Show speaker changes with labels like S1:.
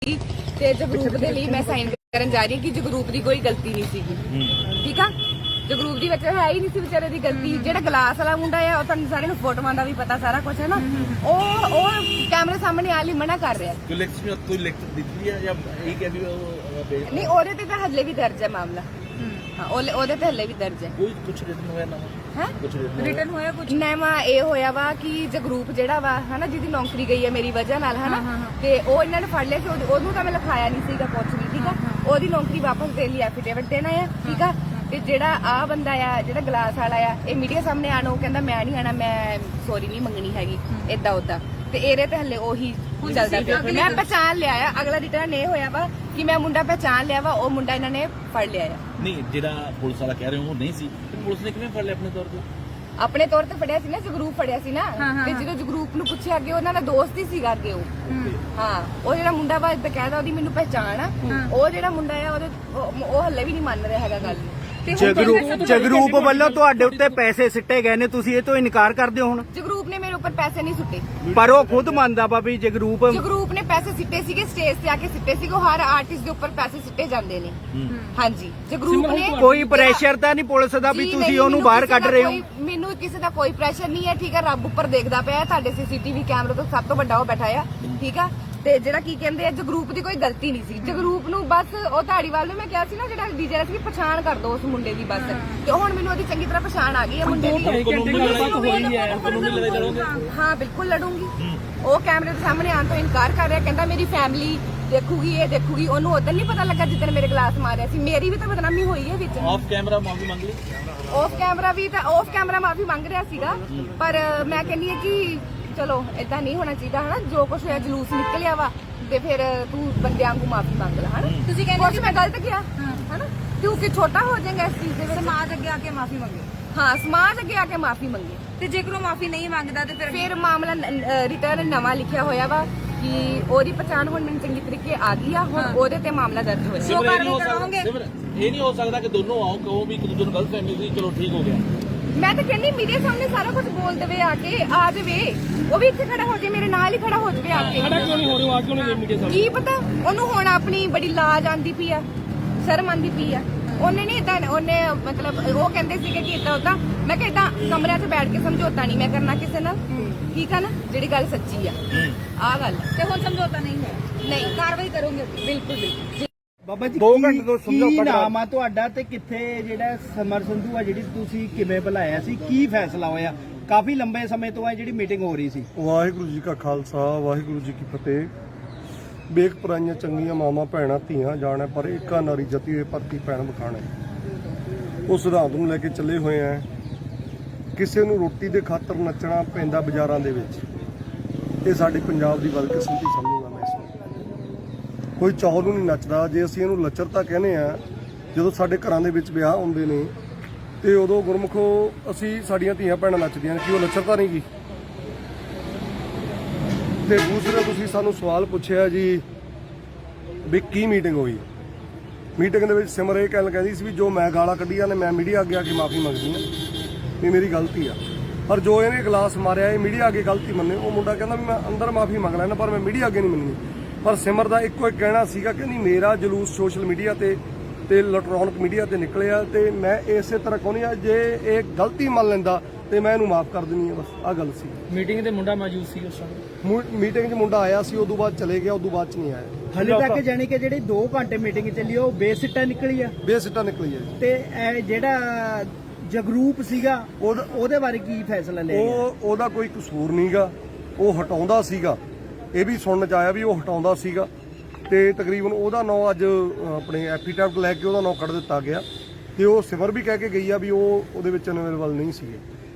S1: ਤੇ ਜਗਰੂਪ ਦੇ ਲਈ ਮੈਂ ਸਾਈਨ ਕਰਨ ਜਾ ਰਹੀ ਹਾਂ ਕਿ ਜਗਰੂਪ ਦੀ ਕੋਈ ਗਲਤੀ ਨਹੀਂ ਸੀਗੀ। ਠੀਕ ਆ, ਜਗਰੂਪ ਦੀ ਵਿੱਚ ਹੈ ਹੀ ਨਹੀਂ ਸੀ ਵਿਚਾਰੇ ਦੀ ਗਲਤੀ। ਜਿਹੜਾ ਗਲਾਸ ਵਾਲਾ ਮੁੰਡਾ ਆ ਉਹ ਤੁਹਾਨੂੰ ਸਾਰਿਆਂ ਨੂੰ ਫੋਟੋਆਂ ਦਾ ਵੀ ਪਤਾ ਸਾਰਾ ਕੁਝ ਹੈ ਨਾ, ਉਹ ਕੈਮਰੇ ਸਾਹਮਣੇ ਆਣ ਲਈ ਮਨਾ ਕਰ ਰਿਹਾ।
S2: ਕੋਈ ਲਿਖਤ ਦਿੱਤੀ ਹੈ ਜਾਂ ਇਹ ਕਹਿ ਵੀ
S1: ਨਹੀਂ, ਉਹਦੇ ਤੇ ਤਾਂ ਹੱਲੇ ਵੀ ਦਰਜ ਹੈ ਮਾਮਲਾ। ਹਾਂ, ਉਹਦੇ ਤੇ ਹੱਲੇ ਵੀ ਦਰਜ ਹੈ।
S2: ਕੋਈ ਕੁਝ ਰਿਟਨ ਹੋਇਆ ਨਾ
S1: ਹੈ
S2: ਕੁਝ
S1: ਰਿਟਨ ਹੋਇਆ ਕੁਝ ਨਵਾਂ ਇਹ ਹੋਇਆ ਵਾ ਕਿ ਜਗਰੂਪ ਜਿਹੜਾ ਵਾ ਹਨਾ, ਜਿਹਦੀ ਨੌਕਰੀ ਗਈ ਹੈ ਮੇਰੀ ਵਜ੍ਹਾ ਨਾਲ ਹਨਾ, ਤੇ ਉਹ ਇਹਨਾਂ ਨੇ ਫੜ ਲਿਆ ਸੀ। ਉਹਨੂੰ ਤਾਂ ਮੈਂ ਲਿਖਾਇਆ ਨਹੀਂ ਸੀਗਾ ਕੁਝ ਵੀ। ਠੀਕ ਆ, ਉਹਦੀ ਨੌਕਰੀ ਵਾਪਸ ਦੇਣ ਲਈ ਐਫੀਡੇਵਿਟ ਦੇਣਾ ਆ। ਠੀਕ ਆ, ਤੇ ਜਿਹੜਾ ਆ ਬੰਦਾ ਆ ਜਿਹੜਾ ਗਲਾਸ ਵਾਲਾ ਆ, ਇਹ ਮੀਡੀਆ ਸਾਹਮਣੇ ਆਣਾ, ਉਹ ਕਹਿੰਦਾ ਮੈਂ ਨਹੀਂ ਆਣਾ, ਮੈਂ ਸੌਰੀ ਨਹੀਂ ਮੰਗਣੀ ਹੈਗੀ ਏਦਾਂ ਉਦਾਂ। ਤੇ ਇਹਦੇ ਤੇ ਹੱਲੇ ਉਹੀ ਚੱਲਦਾ ਪਿਆ। ਮੈਂ ਪਹਿਚਾਣ ਲਿਆ ਆ, ਅਗਲਾ ਰਿਟਰਨ ਇਹ ਹੋਇਆ ਵਾ ਕਿ ਮੈਂ ਮੁੰਡਾ ਪਹਿਚਾਣ ਲਿਆ ਵਾ, ਉਹ ਮੁੰਡਾ ਇਹਨਾਂ ਨੇ ਫੜ ਲਿਆ ਆ।
S2: ਨਹੀਂ, ਜਿਹੜਾ ਪੁਲਿਸ ਵਾਲਾ ਕਹਿ ਰਹੇ ਹੋ ਉਹ ਨਹੀਂ ਸੀ, ਪੁਲਿਸ ਨੇ ਕਿਵੇਂ ਫੜ ਲਿਆ ਆਪਣੇ ਤੌਰ ਤੇ?
S1: ਆਪਣੇ ਤੌਰ ਤੇ ਫੜਿਆ ਸੀ ਨਾ, ਜਗਰੂਪ ਫੜਿਆ ਸੀ ਨਾ। ਤੇ ਜਦੋਂ ਜਗਰੂਪ ਨੂੰ ਪੁੱਛਿਆ ਅੱਗੇ, ਉਹਨਾਂ ਦਾ ਦੋਸਤ ਹੀ ਸੀਗਾ ਅੱਗੇ ਉਹ। ਹਾਂ, ਉਹ ਜਿਹੜਾ ਮੁੰਡਾ ਵਾ ਬਕਾਇਦਾ ਉਹਦੀ ਮੈਨੂੰ ਪਹਿਚਾਣ ਆ। ਉਹ ਜਿਹੜਾ ਮੁੰਡਾ ਆ ਉਹ ਹੱਲੇ ਵੀ ਨਹੀਂ ਮੰਨ ਰਿਹਾ ਹੈਗਾ ਗੱਲ ਨੂੰ।
S3: ਜਗਰੂਪ ਵੱਲੋਂ ਤੁਹਾਡੇ ਉੱਤੇ ਪੈਸੇ ਸਿੱਟੇ ਗਏ ਨੇ, ਤੁਸੀਂ ਇਹ ਤੋਂ ਇਨਕਾਰ ਕਰਦੇ ਹੋ ਹੁਣ?
S1: ਜਗਰੂਪ ਨੇ ਮੇਰੇ ਉੱਪਰ ਪੈਸੇ ਨਹੀਂ ਸੁੱਟੇ,
S3: ਪਰ ਉਹ ਖੁਦ ਮੰਨਦਾ ਵਾ ਵੀ ਜਗਰੂਪ
S1: ਨੇ ਪੈਸੇ ਸਿੱਟੇ ਸੀਗੇ, ਸਟੇਜ ਤੇ ਆ ਕੇ ਸਿੱਟੇ ਸੀਗੇ। ਉਹ ਹਰ ਆਰਟਿਸਟ ਦੇ ਉੱਪਰ ਪੈਸੇ ਸਿੱਟੇ ਜਾਂਦੇ ਨੇ। ਹਾਂਜੀ, ਜਗਰੂਪ ਨੇ
S3: ਕੋਈ ਪ੍ਰੈਸ਼ਰ ਤਾਂ ਨਹੀਂ ਪੁਲਿਸ ਦਾ ਵੀ ਤੁਸੀਂ ਉਹਨੂੰ ਬਾਹਰ ਕੱਢ ਰਹੇ ਹੋ?
S1: ਮੈਨੂੰ ਕਿਸੇ ਦਾ ਕੋਈ ਪ੍ਰੈਸ਼ਰ ਨਹੀਂ ਹੈ। ਠੀਕ ਹੈ, ਰੱਬ ਉੱਪਰ ਦੇਖਦਾ ਪਿਆ, ਤੁਹਾਡੇ ਸੀਸੀਟੀਵੀ ਕੈਮਰੇ ਤੋਂ ਸਭ ਤੋਂ ਵੱਡਾ ਉਹ ਬੈਠਾ ਆ। ਠੀਕ ਆ, ਤੇ ਜਿਹੜਾ ਕੀ ਕਹਿੰਦੇ ਆ, ਜਗਰੂਪ ਦੀ ਕੋਈ ਗਲਤੀ ਨਹੀਂ ਸੀ। ਜਗਰੂਪ ਨੂੰ ਬਸ ਉਹ ਧਾੜੀਵਾਲ ਨੂੰ ਮੈਂ ਕਿਹਾ ਸੀ ਨਾ, ਜਿਹੜਾ ਡੀਜੇ ਸੀ, ਪਛਾਣ ਕਰ ਦੋ ਉਸ ਮੁੰਡੇ ਦੀ ਬਸ। ਤੇ ਹੁਣ ਮੈਨੂੰ ਉਹਦੀ ਚੰਗੀ ਤਰ੍ਹਾਂ ਪਛਾਣ ਆ ਗਈ ਹੈ ਮੁੰਡੇ ਦੀ। ਹਾਂ, ਬਿਲਕੁਲ ਲੜੂੰਗੀ। ਉਹ ਕੈਮਰੇ ਦੇ ਸਾਹਮਣੇ ਆਉਣ ਤੋਂ ਇਨਕਾਰ ਕਰ ਰਿਹਾ, ਕਹਿੰਦਾ ਮੇਰੀ ਫੈਮਿਲੀ ਦੇਖੂਗੀ, ਇਹ ਦੇਖੂਗੀ। ਉਹਨੂੰ ਉਦੋਂ ਨਹੀਂ ਪਤਾ ਲੱਗਾ ਜਿੱਦਣ ਮੇਰੇ ਗਲਾਸ ਮਾਰਿਆ ਸੀ। ਮੇਰੀ ਵੀ ਤਾਂ ਬਦਨਾਮੀ ਹੋਈ ਹੈ ਵਿੱਚ।
S2: ਆਫ ਕੈਮਰਾ ਮਾਫੀ ਮੰਗ ਲਈ?
S1: ਆਫ ਕੈਮਰਾ ਮਾਫੀ ਮੰਗ ਰਿਹਾ ਸੀਗਾ, ਪਰ ਮੈਂ ਕਹਿੰਦੀ ਹਾਂ ਕਿ ਚਲੋ ਏਦਾਂ ਨਹੀਂ ਹੋਣਾ ਚਾਹੀਦਾ ਹਨਾ। ਜੋ ਕੁਛ ਹੋਇਆ, ਜਲੂਸ ਨਿਕਲਿਆ ਵਾ, ਤੇ ਫਿਰ ਤੂੰ ਬੰਦਿਆਂ ਨੂੰ ਮਾਫੀ ਮੰਗ ਲੈ ਹਨਾ। ਤੁਸੀਂ ਕਹਿੰਦੇ ਮੈਂ ਗਲਤ ਕਿਹਾ ਹਨਾ, ਤੂੰ ਕਿ ਛੋਟਾ ਹੋ ਜਾਏਗਾ ਇਸ ਚੀਜ਼ ਦੇ ਵਿੱਚ।
S4: ਸਮਾਜ ਅੱਗੇ ਆ ਕੇ ਮਾਫੀ ਮੰਗੇ।
S1: ਹਾਂ, ਸਮਾਜ ਅੱਗੇ ਆ ਕੇ ਮਾਫੀ ਮੰਗੇ।
S4: ਤੇ ਜੇਕਰ ਉਹ ਮਾਫੀ ਨਹੀਂ ਮੰਗਦਾ ਤੇ
S1: ਫਿਰ ਮਾਮਲਾ ਰਿਟਰਨ ਨਵਾਂ ਲਿਖਿਆ ਹੋਇਆ ਵਾ ਕਿ ਉਹਦੀ ਪਛਾਣ ਹੁਣ ਮੈਨੂੰ ਚੰਗੀ ਤਰੀਕੇ ਆ ਗਈ ਆ। ਹੁਣ ਉਹਦੇ ਤੇ ਮਾਮਲਾ ਦਰਜ ਹੋਇਆ।
S2: ਇਹ ਨਹੀਂ ਹੋ ਸਕਦਾ ਕਿ ਦੋਨੋਂ ਆਓ ਕਹੋ ਵੀ ਇੱਕ ਦੂਜੇ ਨੂੰ ਗਲਤ ਫਹਿਮੀ ਸੀ, ਚਲੋ ਠੀਕ ਹੋ ਗਿਆ।
S1: ਮੈਂ ਤਾਂ ਕਹਿੰਦੀ ਮੀਡੀਆ ਸਾਹਮਣੇ ਸਾਰਾ ਕੁਝ ਬੋਲ ਦੇਵੇ, ਆ ਕੇ ਆ ਜਾਵੇ। ਉਹ ਵੀ ਇੱਥੇ ਖੜਾ ਹੋ ਜਾਵੇ, ਮੇਰੇ ਨਾਲ ਹੀ ਖੜਾ ਹੋ ਜਾਵੇ ਆ ਕੇ।
S5: ਖੜਾ ਕਿਉਂ ਨਹੀਂ ਹੋ ਰਿਹਾ? ਆ ਕਿਉਂ ਨਹੀਂ ਮੀਡੀਆ ਸਾਹਮਣੇ?
S1: ਕੀ ਪਤਾ ਉਹਨੂੰ ਹੁਣ ਆਪਣੀ ਬੜੀ ਲਾਜ ਆਂਦੀ ਪਈ ਆ, ਸ਼ਰਮ ਆਂਦੀ ਪਈ ਆ। ਉਹਨੇ ਨਹੀਂ ਇਦਾਂ, ਉਹਨੇ ਮਤਲਬ ਉਹ ਕਹਿੰਦੇ ਸੀਗੇ ਕਿ ਇਦਾਂ ਉਦਾਂ। ਮੈਂ ਕਿਹਾ ਇਦਾਂ ਕਮਰਿਆਂ 'ਚ ਬੈਠ ਕੇ ਸਮਝੌਤਾ ਨਹੀਂ ਮੈਂ ਕਰਨਾ ਕਿਸੇ ਨਾਲ। ਠੀਕ ਆ ਨਾ, ਜਿਹੜੀ ਗੱਲ ਸੱਚੀ ਆ ਆਹ ਗੱਲ।
S4: ਤੇ ਹੁਣ ਸਮਝੌਤਾ ਨਹੀਂ ਹੈ,
S1: ਨਹੀਂ
S4: ਕਾਰਵਾਈ ਕਰੋਗੇ?
S1: ਬਿਲਕੁਲ ਬਿਲਕੁਲ।
S3: ਬਾਬਾ ਜੀ 2 ਘੰਟੇ ਤੋਂ ਕੀ ਨਾਮ ਆ ਤੁਹਾਡਾ ਤੇ ਕਿੱਥੇ ਜਿਹੜਾ ਸਮਰ ਸੰਧੂ ਆ ਜਿਹੜੀ ਤੁਸੀਂ ਕਿਵੇਂ ਬੁਲਾਇਆ ਸੀ, ਕੀ ਫੈਸਲਾ ਹੋਇਆ? ਕਾਫੀ ਲੰਬੇ ਸਮੇਂ ਤੋਂ ਆ ਜਿਹੜੀ ਮੀਟਿੰਗ ਹੋ ਰਹੀ ਸੀ।
S6: ਵਾਹਿਗੁਰੂ ਜੀ ਕਾ ਖਾਲਸਾ, ਵਾਹਿਗੁਰੂ ਜੀ ਕੀ ਫਤਿਹ। ਵੇਖ ਪਰਾਈਆਂ ਚੰਗੀਆਂ ਮਾਵਾਂ ਭੈਣਾਂ ਧੀਆਂ ਜਾਣਾ, ਪਰ ਏਕਾ ਨਾਰੀ ਜਤੀ ਹੋਏ ਪਰਤੀ ਭੈਣ ਬਖਾਣਾ। ਉਸ ਸਿਧਾਂਤ ਨੂੰ ਲੈ ਕੇ ਚੱਲੇ ਹੋਏ ਆ। ਕਿਸੇ ਨੂੰ ਰੋਟੀ ਦੇ ਖਾਤਰ ਨੱਚਣਾ ਪੈਂਦਾ ਬਾਜ਼ਾਰਾਂ ਦੇ ਵਿੱਚ, ਇਹ ਸਾਡੀ ਪੰਜਾਬ ਦੀ ਬਦਕਿਸਮਤੀ ਸਮਝੂਗਾ ਮੈਂ ਇਸ ਨੂੰ। ਕੋਈ ਚੌਲ ਨੂੰ ਨਹੀਂ ਨੱਚਦਾ। ਜੇ ਅਸੀਂ ਇਹਨੂੰ ਲੱਚਰਤਾ ਕਹਿੰਦੇ ਆ, ਜਦੋਂ ਸਾਡੇ ਘਰਾਂ ਦੇ ਵਿੱਚ ਵਿਆਹ ਹੁੰਦੇ ਨੇ ਤੇ ਉਦੋਂ ਗੁਰਮੁਖੋ ਅਸੀਂ ਸਾਡੀਆਂ ਧੀਆਂ ਭੈਣਾਂ ਨੱਚਦੀਆਂ ਨੇ, ਕੀ ਉਹ ਲੱਚਰਤਾ ਨਹੀਂ ਗੀ? ਤੇ ਦੂਸਰਾ ਤੁਸੀਂ ਸਾਨੂੰ ਸਵਾਲ ਪੁੱਛਿਆ ਜੀ ਵੀ ਕੀ ਮੀਟਿੰਗ ਹੋਈ। ਮੀਟਿੰਗ ਦੇ ਵਿੱਚ ਸਿਮਰ ਇਹ ਕਹਿੰਦੀ ਸੀ ਵੀ ਜੋ ਮੈਂ ਗਾਲਾਂ ਕੱਢੀਆਂ ਨੇ ਮੈਂ ਮੀਡੀਆ ਅੱਗੇ ਆ ਕੇ ਮਾਫੀ ਮੰਗਦੀ ਹਾਂ ਵੀ ਮੇਰੀ ਗਲਤੀ ਆ। ਪਰ ਜੋ ਇਹਨੇ ਗਲਾਸ ਮਾਰਿਆ ਇਹ ਮੀਡੀਆ ਅੱਗੇ ਗਲਤੀ ਮੰਨੇ। ਉਹ ਮੁੰਡਾ ਕਹਿੰਦਾ ਵੀ ਮੈਂ ਅੰਦਰ ਮਾਫੀ ਮੰਗ ਲੈਣਾ ਪਰ ਮੈਂ ਮੀਡੀਆ ਅੱਗੇ ਨਹੀਂ ਮੰਨਣੀ। ਪਰ ਸਿਮਰ ਦਾ ਇੱਕੋ ਇੱਕ ਕਹਿਣਾ ਸੀਗਾ, ਕਹਿੰਦੀ ਮੇਰਾ ਜਲੂਸ ਸੋਸ਼ਲ ਮੀਡੀਆ ਤੇ ਇਲੈਕਟ੍ਰੋਨਿਕ ਮੀਡੀਆ ਤੇ ਨਿਕਲਿਆ ਤੇ ਮੈਂ ਇਸੇ ਤਰ੍ਹਾਂ ਕਹਿੰਦੀ ਆ ਜੇ ਇਹ ਗਲਤੀ ਮੰਨ ਲੈਂਦਾ ਤੇ ਮੈਂ ਇਹਨੂੰ ਮਾਫ ਕਰ ਦਿੰਦੀ ਆ। ਬਸ ਆਹ ਗੱਲ ਸੀ।
S5: ਮੀਟਿੰਗ ਤੇ ਮੁੰਡਾ ਮੌਜੂਦ ਸੀ ਉਸ ਸਮੇਂ?
S6: ਮੀਟਿੰਗ 'ਚ ਮੁੰਡਾ ਆਇਆ ਸੀ, ਉਦੋਂ ਬਾਅਦ ਚਲੇ ਗਿਆ, ਉਦੋਂ ਬਾਅਦ 'ਚ ਨਹੀਂ ਆਇਆ।
S3: ਹਲੇ ਤੱਕ ਜਾਨੀ ਕਿ ਜਿਹੜੀ 2 ਘੰਟੇ ਮੀਟਿੰਗ ਚੱਲੀ ਉਹ ਬੇਸਿੱਟਾ ਨਿਕਲੀ ਆ।
S6: ਬੇਸਿੱਟਾ ਨਿਕਲੀ ਹੈ ਜੀ।
S3: ਤੇ ਇਹ ਜਿਹੜਾ ਜਗਰੂਪ ਸੀਗਾ ਉਹਦੇ ਬਾਰੇ ਕੀ ਫੈਸਲਾ ਲਿਆ ਗਿਆ?
S6: ਉਹਦਾ ਕੋਈ ਕਸੂਰ ਨਹੀਂਗਾ, ਉਹ ਹਟਾਉਂਦਾ ਸੀਗਾ। ਇਹ ਵੀ ਸੁਣਨ 'ਚ ਆਇਆ ਵੀ ਉਹ ਹਟਾਉਂਦਾ ਸੀਗਾ ਤੇ ਤਕਰੀਬਨ ਉਹਦਾ ਨਾਂ ਅੱਜ ਆਪਣੇ ਐਫੀਡੈਵਿਟ ਲੈ ਕੇ ਉਹਦਾ ਨਾਂ ਕੱਢ ਦਿੱਤਾ ਗਿਆ ਤੇ ਉਹ ਸਿਮਰ ਵੀ ਕਹਿ ਕੇ ਗਈ ਆ ਵੀ ਉਹ ਉਹਦੇ ਵਿੱਚ ਅਵੇਲੇਬਲ ਨਹੀਂ ਸੀਗੇ।